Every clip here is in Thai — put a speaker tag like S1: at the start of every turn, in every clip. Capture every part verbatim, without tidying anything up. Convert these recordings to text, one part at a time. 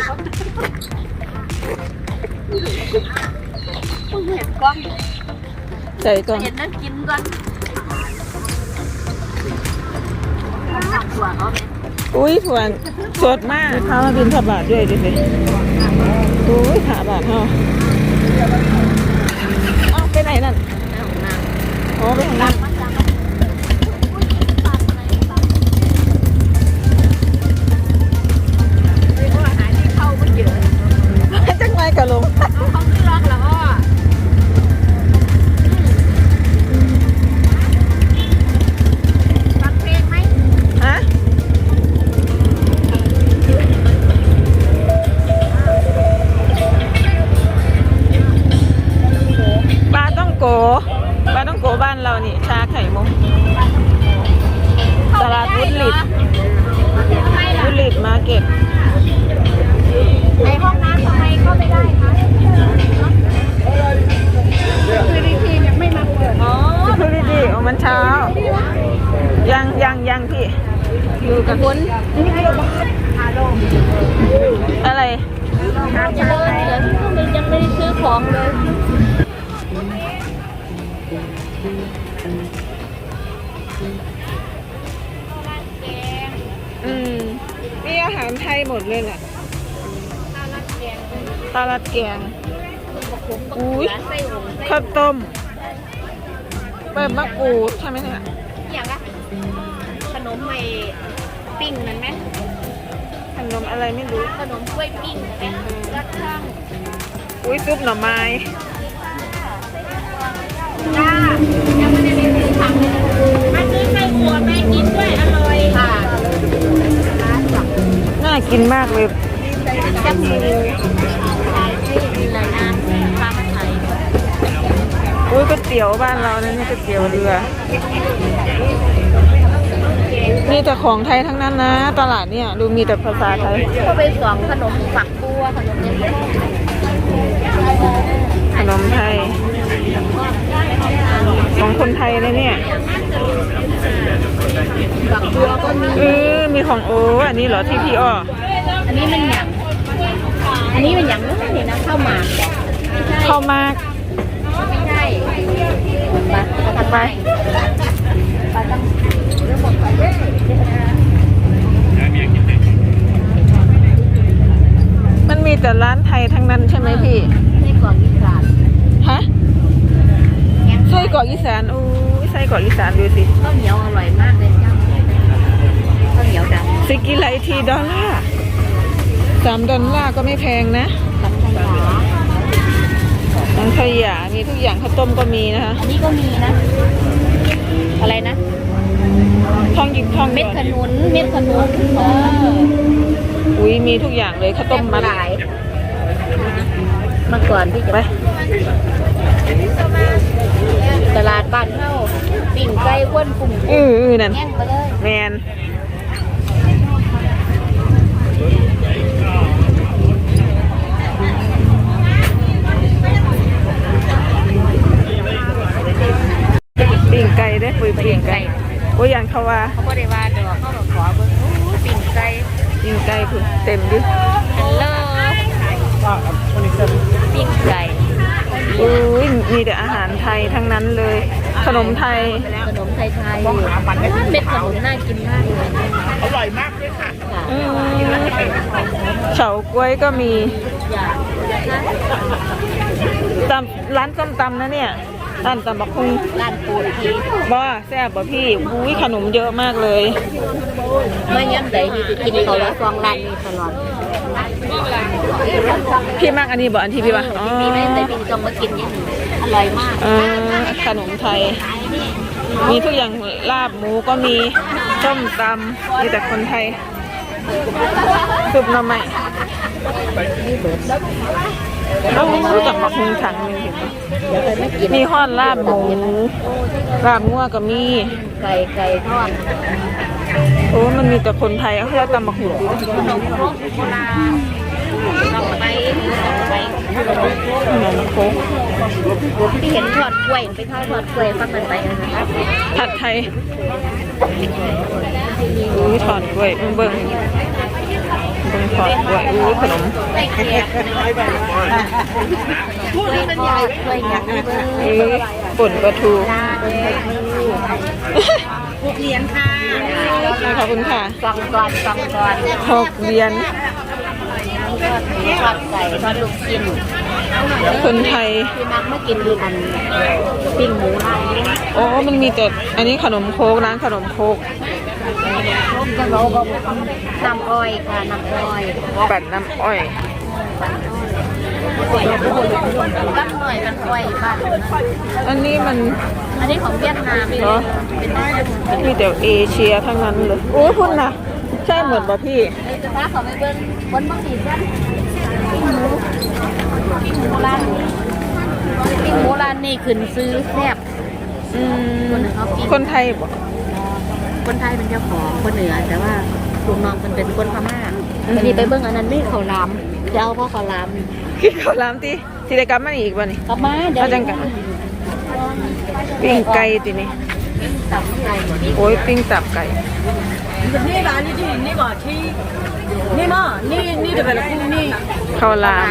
S1: เห็นกล้อง
S2: ใส่กล้อง
S1: เห็นนั่งกินก่อน
S2: อุ้ยถั่วสดมากข้าวมาบินผาบาทด้วยดิสิอุ้ยผาบาทเนาะอ้าวไปไหนนั่นอ๋อไปของน้ำจังไรกะลง
S1: เขาไม่ล็อกแล้วอ้อฟังเพลงไหม
S2: ฮะปลาต้องโกปลาต้องโกบ้านเรานี่ชาไข่มุกตลาดวุฒลิดวุฒลิดมาร์เก็ต
S1: ในห้องน้ำทำไมเข้าไม่ได้คะคือดีทียังไม่มาเปิดอ๋อ
S2: คือดีดีอ๋อมันเช้ายังยังยังพี่อยู่กับคุณอะไร
S1: ยังเลยเหลือยังไม่ได้ซื้อของเลย
S2: อืมมีอาหารไทยหมดเลยแหละปลาลัดแกงอุ้ยข้าวต้มเปิดมะกรูดใช่ไหมเนี่ย
S1: อย่างละขนมไม่ปิ้งนั่นไหม
S2: ขนมอะไรไม่รู้
S1: ขนมกล้วยปิ้งไหมรัดช่าง
S2: อุ้ยซุปหน่อไม้
S1: จ้ายังไม่ได้ไปซื้อผักเลยมาซื้อไส้อั่วแม่กินด้วยอร่อยค่ะ
S2: น่ากินมากเลย
S1: จับมือมีหลายน้ำปลาไทย
S2: อุ้ยก๋วยเตี๋ยวบ้านเราเนี่ยก๋วยเตี๋ยวเรือมีแต่ของไทยทั้งนั้นนะตลาดเนี่ยดูมีแต่ภาษาไทย
S1: ก็ไปสองขนมฝักบัวขนมเนี้ย
S2: ขนมไทยของคนไทยเลยเนี่ย
S1: ฝักบัวก็มี
S2: เออมีของโอ้อันนี้เหรอที่พี่อ้อ
S1: อันนี้มันหยังอันนี้มันหยังนู้นนี่นะข้าวหมาก
S2: ข้าวหมาก
S1: ไม่ใช่ไปถัดไปไปตั้งเรื่องหมดไป
S2: มันมีแต่ร้านไทยทั้งนั้นใช่ไหมพี่
S1: ไส้กรอกอีสาน
S2: ฮะไส้กรอกอีสานอู้ไส้กรอกอีสานดูสิ
S1: ข้าวเหนียวอร่อยมากเลยจ้าข้าวเหนียวดำ
S2: สกิไลทีดอลลาร์สามดอลลาร์ก็ไม่แพงนะสังขยามีทุกอย่างข้าวต้มก็มีนะคะ
S1: อันนี้ก็มีนะอะไรนะ
S2: ทองหยิบทอง
S1: เม็ดขนุนเม็ดขนุนเออ
S2: อุ้ยมีทุกอย่างเลยข้าวต้มมัด
S1: เมื่อก่อนพี่จะไปตลาดบ้านเฮาปิ่งไก่ว้วนปุ่ม
S2: อืออือนั่นแมนปิ่งไก่ได้ปุยปิ่งไก่โอ้ยอย่างเขาว่า
S1: เขาไม่ได้ว่าดอกเขาบอกขอเบิ้งปิ่งไก่
S2: ปิ่งไก่คือเต็มดิ
S1: ฮัลโหลปิ่งไก่
S2: อุ้ยมีแต่อาหารไทยทั้งนั้นเลยขนมไทย
S1: ขนมไทยไทยเม็ดขนุนน่ากินมากเลย
S3: อร่อยมากเลยค่ะ
S2: เฉาก๊วยก็มีตำร้านส้มตำนะเนี่ยร้านตำบักหุ่ง
S1: ร้านปูที
S2: บ่แซ่บบ่พี่อุ้ยขนมเยอะมากเลย
S1: ไม่ย้ำใจที่กินเขาแล้วฟองร้านนี้ตลอด
S2: พี่มากอันนี้บ่อันที่พี่ว่า
S1: อ๋อพี่ไม่แต่พี่ต้องมากินอย่างนี้อร่อยมาก
S2: ขนมไทยมีทุกอย่างลาบหมูก็มีส้มตำมีแต่คนไทยซุปหน่อไม้ต้องรู้จักบักหุ่งถังนึงเห็นไหมมีห่อนลาบหมูลาบงัวก็มี
S1: ไก่ไก่ทอด
S2: โอ้มันมีแต่คนไทยเขาจะตำบักหุ่งดู
S1: ขนมครกโบราณลองไปลองไป
S2: ขนมครก
S1: ที่เห็นทอดกล้วยไปทอดทอดกล้วยฟักมันไปนะครับ
S2: ผัดไทยอุ้ยทอดกล้วยเบิ่งเป็นขอดด้วยอู้ขนม
S1: ไส้เกี๊ยวถ้วยทอดถ้วยยักษ์เบอร์
S2: เอ๊ะป่นปลาทู
S1: จ้าหกเหรียญค่ะ
S2: ขอบคุณค่ะ
S1: กล่องก่อนกล่องก่อน
S2: หกเหรียญ
S1: ทอดไก่ทอดลูกชิ้น
S2: คนไทย
S1: พี่มักไม่กินดีอันปิ้งหมูร้านนี้
S2: โอ้มันมีแต่อันนี้ขนมโคกร้านขนมโคก
S1: จะเราก็น้ำอ้อยค่ะน้ำอ้อย
S2: ปั่นน้ำอ้อย
S1: รักหน่อยมันอ้อยบ้าน
S2: อันนี้มัน
S1: อันนี้ของเวียดนาม
S2: เนาะมีแต่เอเชียทั้งนั้นเลยโอ้พุ่นนะใช่เหมือนป่ะพี่
S1: เลยจะพาเขาไปเบิ้งบนบางทีเพื่อนปิ้งหมูปิ้งหมูร้านนี้ปิ้งหมูร้านนี้ขึ้นซื้อแซ่บ
S2: อืม
S1: คนหนึ่งเขาปิ้ง
S2: คนไทยบอก
S1: คนไทยเป็นเจ้าของคนเหนือแต่ว่าลูกน้องมันเป็นคนพม่าวันนี้ไปเบิ้งอันนั้นไม่เขาล้ำจะเอาเพราะเขาล้
S2: คิดเขาล้ำที่สิได้กลับมาอีกวันนี้
S1: ำกลับมาเดี๋ยว
S2: เอาจังกันปิ้งไก่ตินี่
S1: ตับไก่
S2: โอ้ยปิ้งตับไก่
S4: นี่ร้านนี้ที่นี่บ่ที่นี่มั้งนี่นี่เดี๋ยวไปละกูนี่
S2: ข้าวหลาม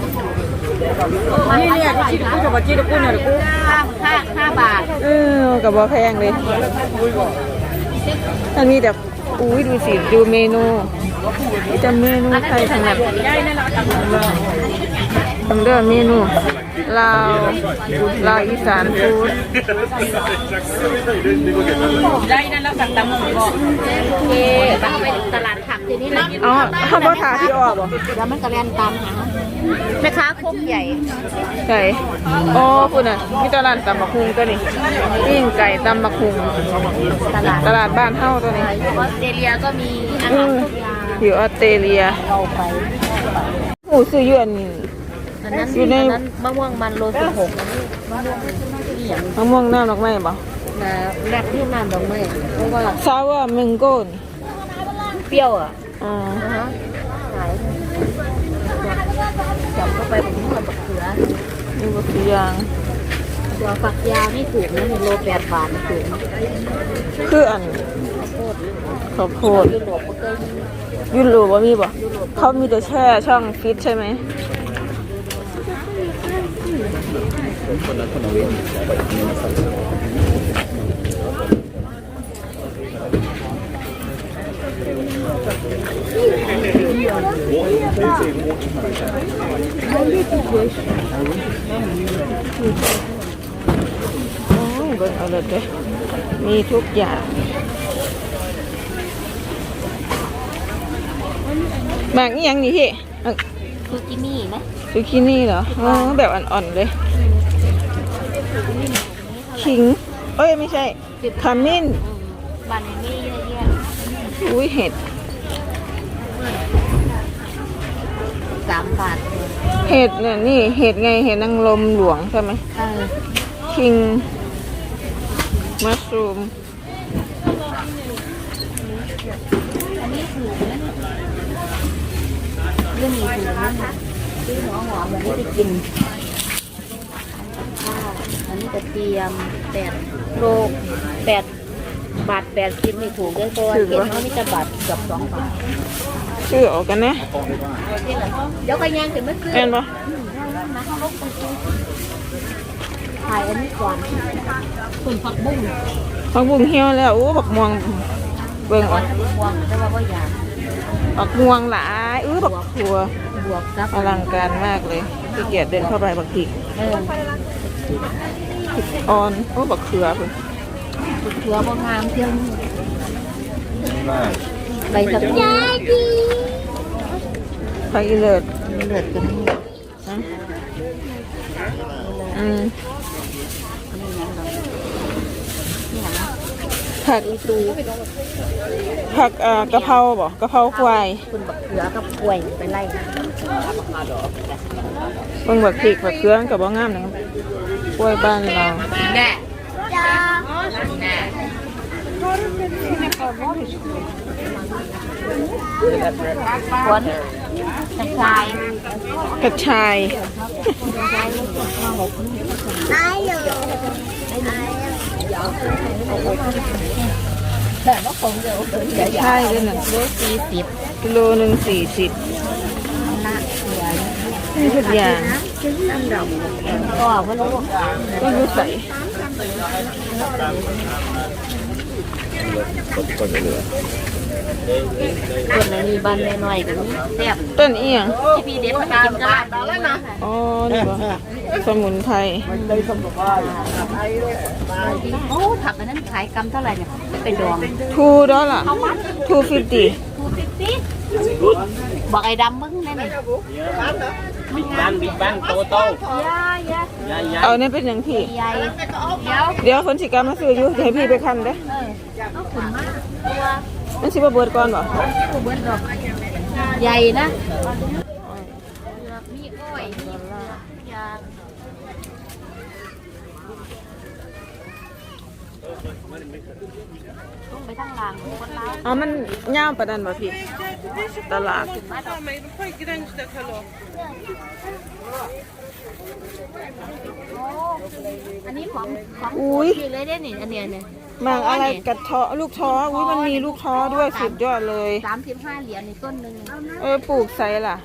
S4: นี่เนี่ยที่กูจะบอกที่กูเนี่ยกู
S1: ห้าห้าห้าบาท
S2: เออกับบอแพงเลยอันนี้แต่อุ้ยดูสิดูเมนูนี่จะเมนูไทยทั้งนั้นทำเรื่องเมนูลาวลาวอีสานฟู้ด
S4: ได้นั่นแล้วสั่งตำหมูบ่
S1: โอเคต้องไปตลาดผักทีนี้นะ
S2: อ๋อข้าวโพดทาที่ออกบ่
S1: แล้วมันกระเรียนตามหาแม่ค้าโคกใหญ่
S2: ไก่อ๋อคุณอ่ะมีตลาดตำบักฮุงตัวนี้ปิ้งไก่ตำบักฮุง
S1: ตลาด
S2: ตลาดบ้านเฮ้าตัวนี้
S1: ออสเตรเลียก็มีอา
S2: อื
S1: หาร
S2: ม
S1: ทุกอย่าง
S2: อยู่ออสเตรเลีย
S1: เราไป
S2: หมูซื้ออยวน
S1: อันนั้น
S2: อยู่ใน
S1: อันนั้นมะม่วงมันโลสิบหกมะม่วงที่อย่าง
S2: มะม่วงน้ำดอกไม้บ่
S1: นะแรกที่น้ำดอกไม้เพราะว่า
S2: ซาวาเมงโก้น
S1: เปรี้ยวอ่ะ
S2: อ๋อ
S1: นะฮะขายจับเข้าไปผมเหมือนบักเขือ
S2: นี่ก็คือยาง
S1: เดี๋ยวฝักยาวนี่ถูกนะหนึ่งโลแปดบาทถูก
S2: คืออัน
S1: ข้าวโพด
S2: ข้าวโพด
S1: ยุโรปก็เคยมี
S2: ยุโรปว่ามีบ่เขามีแต่แช่ช่องฟิตใช่ไหมโอ้ยเบิ่งเอาเลยเด้อมีทุกอย่างหมากนี่ยังนี่พี่เอ้ย
S1: ซูกินี่นะ
S2: ซูกินี่เหรออ๋อแบบอ่อนๆเลยขิงเอ้ยไม่ใช่ขมิ้น
S1: บันนี่เยอะแยะ
S2: อุ้ยเห็ด
S1: สามบาท
S2: เห็ดเนี่ยนี่เห็ดไงเห็ดนางรมหลวงใช่ไหม
S1: เออ
S2: คิงมัชรูม
S1: อันนี้ถูกนะเรื่องนี้ถูกนะซื้อหัวหอมแบบนี้ไปกินข้าวอันนี้กระเทียมแปดโลแปดบาทแปดสิบนี่ถูกด้วยตัวเก็บเขานี่จะบาทเกือบสองบาท
S2: ชื่อออกกันนะ
S1: เดี๋ยวไปย่างถึงเมื่อคืน
S2: เห็นปะ
S1: มาเข้ารถไปซื้อถ่ายอันนี้ก่อนส่วนผักบุ้ง
S2: ผักบุ้งเหี่ยวแล้วโอ้บักม่วงเบิ่ง
S1: แต่
S2: ออ
S1: ว่าก บวงแต่ว่าก็อยาก
S2: บักม่วงหลายอื้อบักถั่ว
S1: บวกซับ
S2: อลังการมากเลยขี้เกียจเดินเข้าไปบักพริก
S1: เออ
S2: ออนโอ้บักเขือเพิ่น
S1: เขือบางงามเที่ยวนี่ใบสับปะรด
S2: ผักอีเลิศ
S1: เลือดกันนี่
S2: นะอืม
S1: นี่ยังเรานี่นะ
S2: ผัก
S1: อีตู
S2: ผักเอ่อกะเพราบ่กะเพราควาย
S1: คุณบักเขือกับกล้วยไปไล่
S2: เบิ่งบักพริกบักเขือมันก็บ่งามนะครับกล้วยบ้านเรา
S1: แน่จ้าแน่ฝนตะไคร้
S2: กระชาย
S1: อแต่ว่าของเดียวเดี๋ยว
S2: ใช่ด้วยน่ะ
S1: โลสี่สิบ
S2: กิโลหนึ่งสี่สิบ
S1: ละเหลือ
S2: นี่ทุกอย่าง
S1: ก็ว่าลูก
S2: ก็รู้ใส่
S1: คนไหนมีบ้านน้อยๆกันแซ่บ
S2: ต้นเอียง
S1: ที่พี่เด็ดมากินกันแล้วนะ
S2: อ๋อนี่บ่สมุนไพร
S1: โอ้ผักอันนั้นขายกำเท่าไหร่เนี่ยเป็นดอง
S2: ทูดอลล่ะทูฟิฟตี้
S1: ทูฟิฟตี้บอกไอ้ดำมึงแน่นี่
S3: บิ๊กบังบิ๊กบังโตโต
S1: ยายยาย
S3: ยาย
S2: เอาเนี่ยเป็นอย่างพี่
S1: ใหญ่เดี๋ยว
S2: เดี๋ยวคนสิกรรมมาซื้ออยู่จะให้พี่ไปคันเด้อ
S1: เออเอาขุนมากตัว
S2: มันสิบ่เบิดก่อนบ่
S1: ตัวเบิ้ลดอกใหญ่นะมีอ้อยมียาต้องไปทั้งหลังคนร้าย
S2: อ๋อมันยาวปานนั้นบ่พี่ตลาด
S1: อันนี้ของของ
S2: อุ้ย
S1: อยู่เลยได้นี่อันเนี้ยเนี่ย
S2: มังอะไรกระเทาะลูกท้ออุ้ยมันมีลูกท้อด้วยสุดยอดเลย
S1: สามสิบห้าเหรียญในต้นหนึ่ง
S2: เออปลูกใส่ล่ะ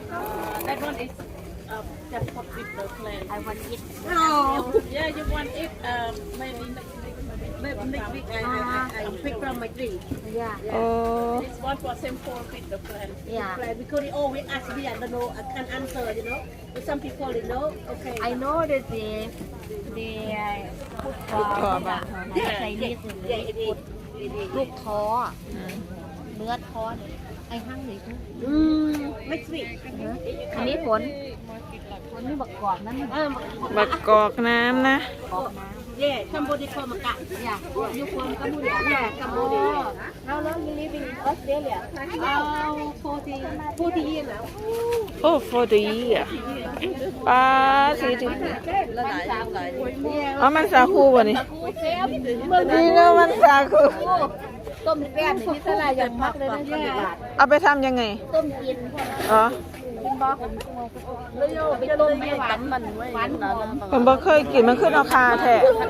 S1: ไอวันอิท
S4: Yeah, you want it? Um, maybe maybe next week I I, I pick from my tree.
S1: ยา
S2: โอ้
S4: This one for same for pick the plant.
S1: ยา
S4: Plant because they always ask me, I don't know, I can't answer, you know. But some people they know. Okay.
S1: I know that they they put for ใส่นี่
S4: Yeah, it is. It is.
S1: ลูกท้อเนื้อท้อเนี่ยไอ้ห้างหรือ
S4: Mm, next week.
S1: อันนี้ผลผลนี่บักกอกนั่น
S4: Um,
S2: บักกอกน้ำนะ
S1: กอกนะ
S4: yeah, Cambodia call makat.
S1: อยากอยู่คนกัมพูชา
S4: Yeah, Cambodia.
S1: แล้วแล้ว you live in Australia
S4: Oh, forty, forty years now.
S2: โอ้โฟดีอ่ะปลาสีถึงอ๋อมันสาคูบ่นี่นี่เนาะมันสาคู
S1: ต้มแป้งนี่สลายอย่างมากเลยนะเนี่ย
S2: เอาไปทำยังไง
S1: ต้มกิน
S2: อ๋อ
S1: เป็นบอกไปต้มไม่หวานมันหวานหอม
S2: ผมบ่เคยกินมันขึ้นเอาคาแท้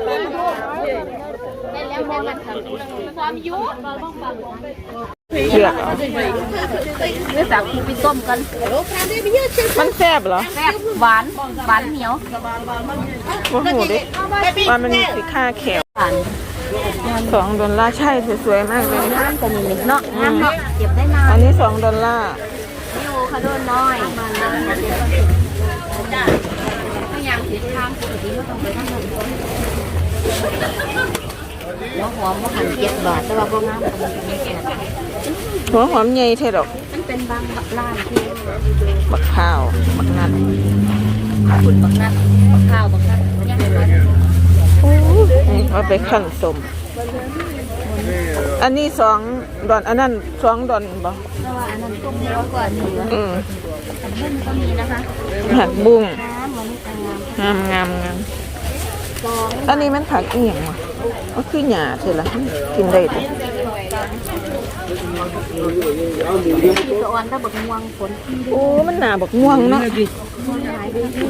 S1: ได้แล้วแม่มันความยุเราต้องฟัง
S2: เลือกเอา
S1: เนื้อสักไปต้มกัน
S2: มันแซ่บเหรอ
S1: แซ่บหวานหวานเหนียว
S2: บ่หูดิว่ามันมีสีค่าแขว
S1: หวาน
S2: สองดอลลาร์ใช่สวยๆมากเลย
S1: น้ำก็มีเนาะน้ำเนาะเก็บได้นาน
S2: อันนี้สองดอลลาร์
S1: นี่โอคาโดน้อยถ้ายางสีทางปกติก็ต้องไปทั้งหมดหัวหอมก็หันเจ็ดบาทแต่ว่าพวกน้ำมันเป็นแก่
S2: หัวหอมใหญ่เท่ดอก
S1: มันเป็นบางร้านที่
S2: บักข้าวบักนัด
S1: คุณบักนัดบักข้าวบักนัดย่างร้อน
S2: นี่เอาไปขั้นสม อันนี้สองดอนอันนั้นสองดอนบ่
S1: แต่ว่าอันนั้นต้มเยอะกว่านี้นะ
S2: อืม
S1: อันนี้มันก็มีนะคะ
S2: ผักบุ้ง
S1: น้ำมันงาม
S2: งามงามงาม
S1: ซอง
S2: อันนี้มันผักอีหยังวะก็คือหญ้าเท่าล่ะกินได้ติ
S1: ที่สะออนถ้าบักม่วงฝนที่
S2: โอ้มันหนาบักม่วงเนาะ
S1: หายไปที่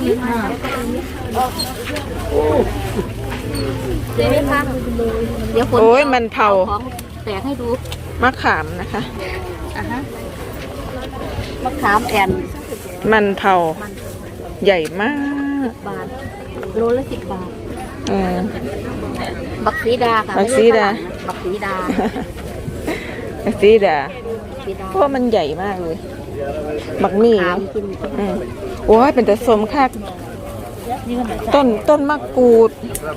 S1: เดี๋ยวไม่พักเดี๋ยวฝน
S2: โอ้ยมันเผา
S1: ของแตกให้ดู
S2: มะขามนะคะ
S1: อ่ะฮะมะขามแอน
S2: มันเผาใหญ่มาก
S1: บาทโลละสิบบาท
S2: เออ
S1: บักสีดาค่ะ
S2: บักสีดา
S1: บักสีดา
S2: สีดา
S1: สีดา
S2: เพราะมันใหญ่มากเลย บักมี่
S1: ขามกิน
S2: อืมโอ้ยเป็นแต่สมคัก
S1: นี่ก็เหมือนกัน
S2: ต้นต้นมะกรูด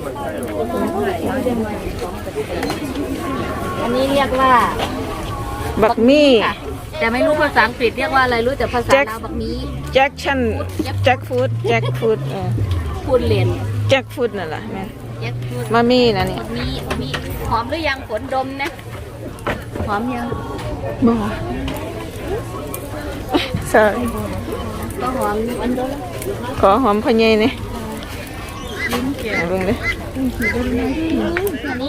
S1: อันนี้เรียกว่า
S2: บักมี่
S1: ค่ะแต่ไม่รู้ภาษาอังกฤษเรียกว่าอะไรรู้แต่ภาษา
S2: แจ็ค
S1: ลาวบักนี้
S2: แจ็คชันแจ็คฟูดแจ็คฟูดเออ
S1: พูดเรียน
S2: แจ็คฟูดนั่นแหละแม่
S1: แจ็คพูด
S2: มามี่นะนี่
S1: มีมีหอมหรือยังฝนดมนะหอมยัง
S2: บ่ sorry
S1: ก็หอมอันเดียวแล้ว
S2: ขอหอมพะเยยนี่เอาเบิ่งเด้อ
S1: อันนี้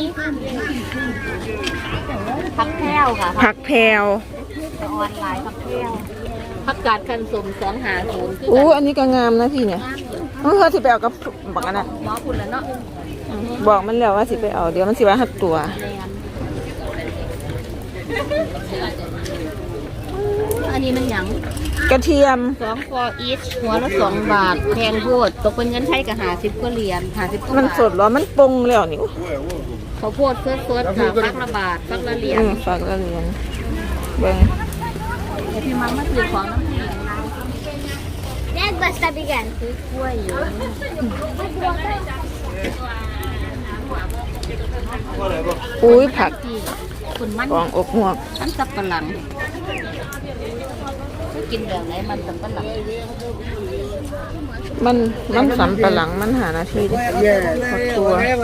S1: ผักแพรวค่ะ
S2: ผักแพรว
S1: ออนไลน์ผักแพรวผักกาดคันสมสองหาศูนย์คือ
S2: อู้
S1: กัน
S2: อันนี้ก็งามนะพี่เนี่ยเออเขาสิไปเอากับบักอันนั้น
S1: หมอคุณแล้วเนาะ
S2: บอกมันแล้วว่าสิไปเอาเดี๋ยวมันสิว่าหักตัว
S1: แรงอันนี้มันหยัง
S2: กระเทียม
S1: สองฟออีชหัวละสองบาทแพงโพดตกเป็นเงินไทยกับหาสิบกว่าเหรียญหาสิบกว่า
S2: มัน
S1: บาท
S2: สดเหรอมันปรุงแล้วนี่
S1: ข้าวโพดเฟิร์สเฟิร์สค่ะฟักละบาทฟักละเหรียญ
S2: อืมฝากละเหรียญเบิ่ง
S1: เดี๋ยวพี่มังมาซื้อของน้ำพี่
S5: That's basta bigyan.
S1: ซื้อกล้วยอยู่
S2: อุ้ยผัก
S1: ที่คุณมัน
S2: ของอกหวก
S1: มันสับปะหลังไม่กินแบบไหนมันสับปะหลัง
S2: มันมันสำปะหลังมันหานาทีดิผักตัว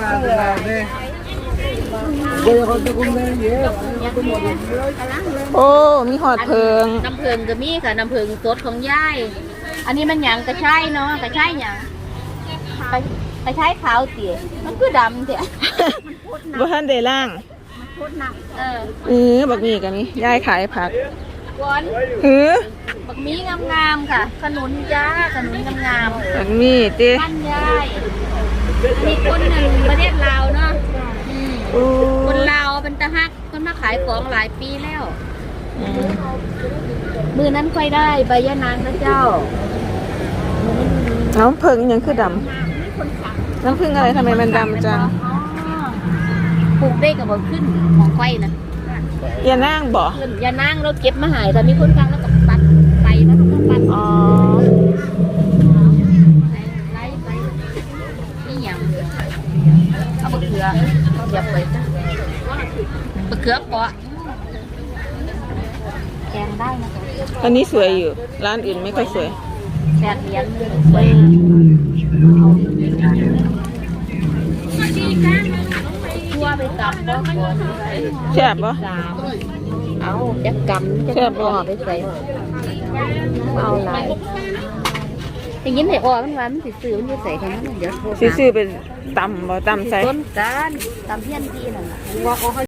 S2: โอ้มีหอดเพิง
S1: น้ำเพิงก็มีค่ะน้ำเพิงสดของยายอันนี้มันหยังกระชายเนาะกระชายหยังกระกระชายขาวเตี๋ยมันคือดำเตี๋ย
S2: บ่ทันได้ล่าง
S1: เออ
S2: เออบักมีกันนี่ยายขายผัก
S1: ก้อน
S2: เออ
S1: บักมีงามๆค่ะ ขนุนจ้าขนุนงาม
S2: บักมีติ
S1: ๆบ้านยายอันนี้คนหนึ่งประเทศลาวเนาะอืม
S2: โอ้
S1: คนลาวเป็นตะฮักคนมาขายของหลายปีแล้ว
S2: อืม
S1: มือนั้นค่อยได้ใบยะนางนะเจ้า
S2: น้ำเพิงยังคือดำน้ำผึ้งอะไรทำไมมันดำจัง
S1: ปลูกได้กับบ่ขึ้นของไฟนะ
S2: อย่านั่งบ่
S1: ขึ้นอย่านั่งเราเก็บมาใหายแต่มีคนกลางแล้วก็ปัดไปแล้วก็ปัด
S2: อ๋อ
S1: ไล่ไปนี่หยังเอาบะเขือเหยียบไปซะบะเขือเปาะแกงได้นะคะ
S2: อันนี้สวยอยู่ ร้านอื่นไม่ค่อยสวย
S1: แปดเหรียญสวยทั่วไปตับบ่ก่อน
S2: แซ่บบ่
S1: สามเอาจักกำจะ
S2: แซ่บบ่
S1: เอาไปใส่เอาหลายอย่างนี้ไหนออกมันว่ามันสิซื้อมันจะใส่แค่นั้นเดี๋ยวโทร
S2: สิซื้อเป็นตำบ่ตำใส่
S1: ต้นการตำเพี้ยนพี่นั่นน่ะว่าเขา